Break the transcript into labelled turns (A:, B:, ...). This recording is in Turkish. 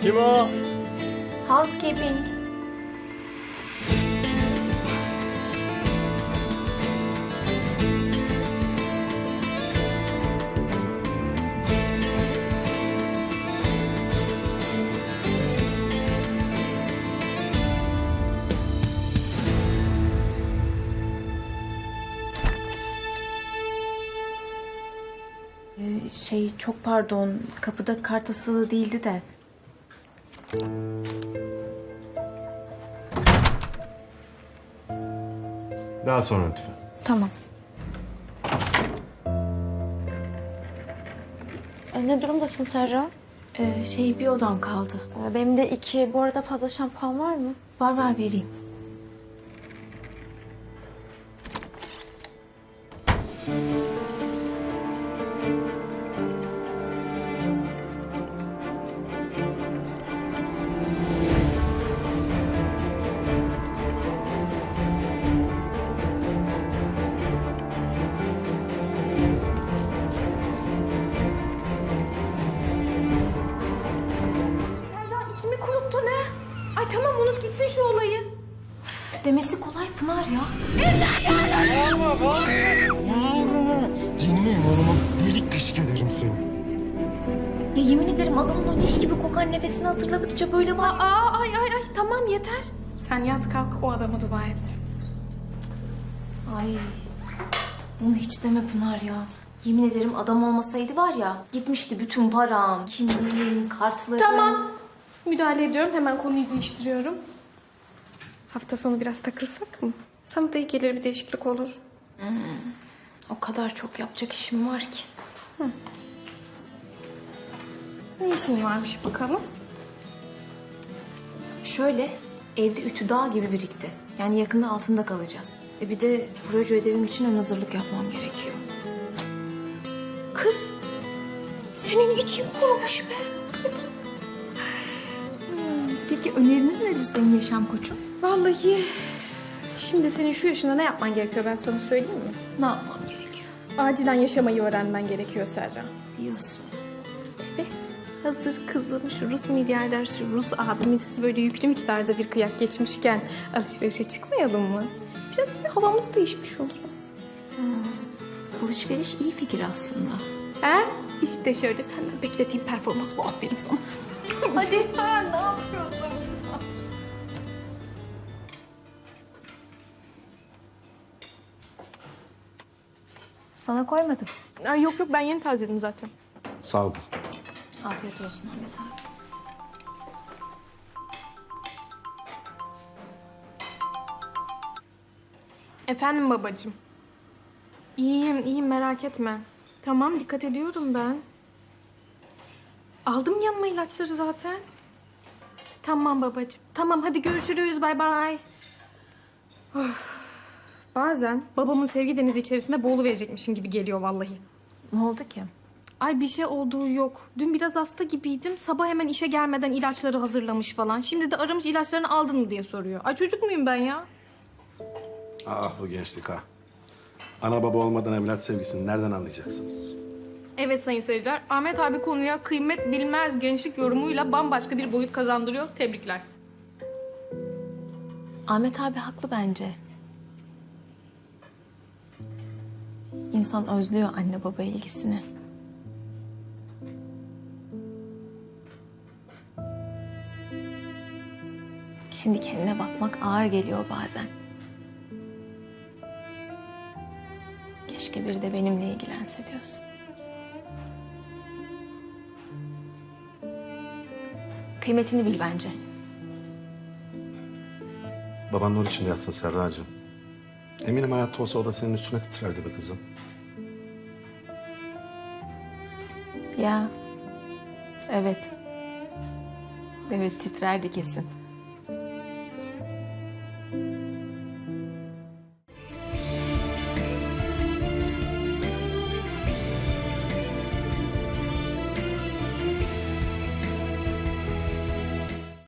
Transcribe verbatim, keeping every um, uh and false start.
A: Kim o?
B: Housekeeping. Ee, Şey çok pardon, kapıda kart asılı değildi de.
A: Daha sonra lütfen.
B: Tamam.
C: E, ne durumdasın Serra?
B: Ee, şey bir odam kaldı.
C: E, benim de iki. Bu arada fazla şampuan var mı?
B: Var var vereyim.
D: Serra içimi kuruttu ne? Ay tamam unut gitsin şu olayı.
B: Demesi kolay Pınar ya.
A: Dinime imanıma delik deşik ederim seni.
B: Ya yemin ederim adamın o leş gibi kokan nefesini hatırladıkça böyle var.
D: Aa ay ay ay tamam yeter. Sen yat kalk o adama dua et.
B: Ay. Bunu hiç deme Pınar ya. Yemin ederim adam olmasaydı var ya gitmişti bütün param, kimliğim, kartlarım.
D: Tamam. Müdahale ediyorum hemen konuyu değiştiriyorum. Hafta sonu biraz takılsak mı? Sana da iyi gelir bir değişiklik olur.
B: O kadar çok yapacak işim var ki.
D: Ne işin varmış bakalım?
B: Şöyle evde ütü dağ gibi birikti. Yani yakında altında kalacağız. E bir de proje ödevim için ön hazırlık yapmam gerekiyor.
D: Kız senin için kurumuş be.
B: Peki öneriniz nedir senin yaşam koçum?
D: Vallahi şimdi senin şu yaşında ne yapman gerekiyor ben sana söyleyeyim mi?
B: Ne yapmam gerekiyor
D: Acilen yaşamayı öğrenmen gerekiyor Serra.
B: diyorsun.
D: Evet. Hazır kızım şu Rus milyarder, şu Rus abimiz böyle yüklü miktarda bir kıyak geçmişken alışverişe çıkmayalım mı? Biraz bir havamız değişmiş olur.
B: Alışveriş iyi fikir aslında.
D: He? İşte şöyle senden beklediğim performans bu. Aferin sana. Hadi. Ha, ne yapıyorsun?
B: Sana koymadım.
D: Ay, yok yok ben yeni tazeledim zaten.
A: Sağ ol kızım.
B: Afiyet olsun Ahmet abi.
D: Efendim babacığım. İyiyim, iyiyim merak etme. Tamam, dikkat ediyorum ben. Aldım yanıma ilaçları zaten. Tamam babacığım. Tamam, hadi görüşürüz. Bay bay. Of. Bazen babamın sevgi denizi içerisinde boğuluverecekmişim gibi geliyor vallahi.
B: Ne oldu ki?
D: Ay bir şey olduğu yok. Dün biraz hasta gibiydim. Sabah hemen işe gelmeden ilaçları hazırlamış falan. Şimdi de aramış ilaçlarını aldın mı diye soruyor. Ay çocuk muyum ben ya?
E: Ah bu gençlik ha. Ana baba olmadan evlat sevgisini nereden anlayacaksınız?
D: Evet sayın seyirciler, Ahmet abi konuya kıymet bilmez gençlik yorumuyla bambaşka bir boyut kazandırıyor. Tebrikler.
B: Ahmet abi haklı bence. İnsan özlüyor anne baba ilgisini. Kendi kendine bakmak ağır geliyor bazen. Keşke biri de benimle ilgilense diyorsun. Kıymetini bil bence.
E: Baban nur içinde yatsın Serracığım. Eminim hayatta olsa o da senin üstüne titrerdi be kızım.
B: Ya, evet. Evet titrerdi kesin.